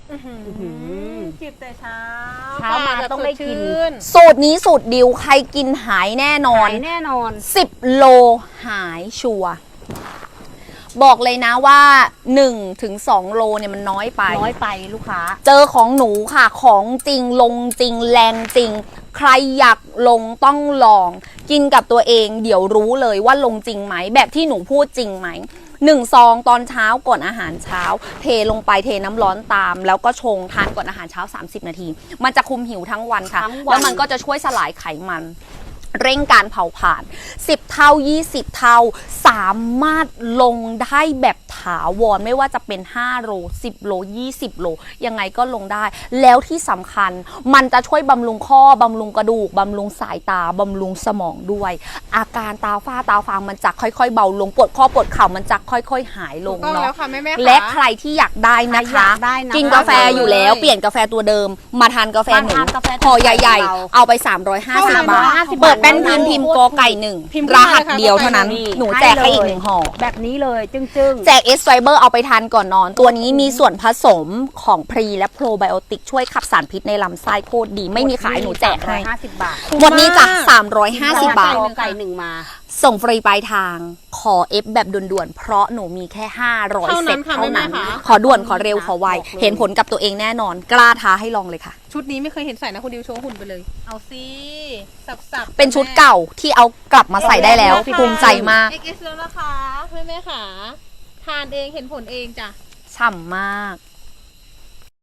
จิบแต่เช้าเช้ามาต้องได้กินสูตรนี้สูตรดิวใครกินหายแน่นอนหายแน่นอน 10 โลหายชัวร์บอกเลยนะว่า 1-2 โลเนี่ยมันน้อยไปน้อยไปลูกค้าเจอของหนูค่ะของจริงลงจริงแรงจริง ใครอยากลงต้องลอง กินกับตัวเองเดี๋ยวรู้เลยว่าลงจริงไหมแบบที่หนูพูดจริงไหม1 ซองตอนเช้าก่อนอาหารเช้า เทลงไปเทน้ำร้อนตาม แล้วก็ชงทานก่อนอาหารเช้า30 นาที มันจะคุมหิวทั้งวันค่ะทั้งวันแล้วมันก็จะช่วยสลายไขมัน เร่งการเผาผลาญ10 เท่า 20 เท่า สามารถลงได้แบบถาวรไม่ว่าจะเป็น5 โล 10 โล 20 โล ยังไงก็ลงได้ แล้วที่สำคัญมันจะช่วยบำรุงข้อบำรุงกระดูกบำรุงสายตาบำรุงสมองด้วย อาการตาฝ้าตาฟางมันจะค่อยๆเบาลงปวดข้อปวดเข่ามันจะค่อยๆหายลงต้องแล้เนาะวค่ะแม่ๆและใครที่อยากได้นะใครอยาคะกได้นะกินกาแฟอยู่แล้วเปลี่ยนกาแฟตัวเดิม มาทานกาแฟหนูมาทานกาแฟห่อใหญ่เราๆ เอาไป 350 บาท 350 เปิดเป็นพิมพ์กอไก่หนึ่งพิมพ์รหัสเดียวเท่านั้นนี่หนูแจกให้อีกให้เลย 1 ห่อแบบนี้เลยจึ้งแจกเอสไฟเบอร์เอาไปทานก่อนนอน ตัวนี้มีส่วนผสมของพรีและโปรไบโอติกช่วยขับสารพิษในลำไส้โคตรดี ไม่มีขายหนูแจกให้ 50 บาทหมดนี้จ้ะ350 บาทไก่หนึ่งมาส่งฟรีปลายทางขอเอฟแบบด่วนๆ เพราะหนูมีแค่ 500 เซตเท่านั้นเท่านั้นค่ะขอด่วนขอเร็วขอไวบอกเลยเห็นผลกับตัวเองแน่นอน กล้าท้าให้ลองเลยค่ะชุดนี้ไม่เคยเห็นใส่นะคุณดิวโชว์หุ่นไปเลย เอาสิสับๆเป็นชุดเก่าที่เอากลับมาใส่ได้แล้วค่ะภูมิใจมาก XS แล้วนะคะแม่ๆค่ะทานเองเห็นผลเองจ้ะฉ่ำมาก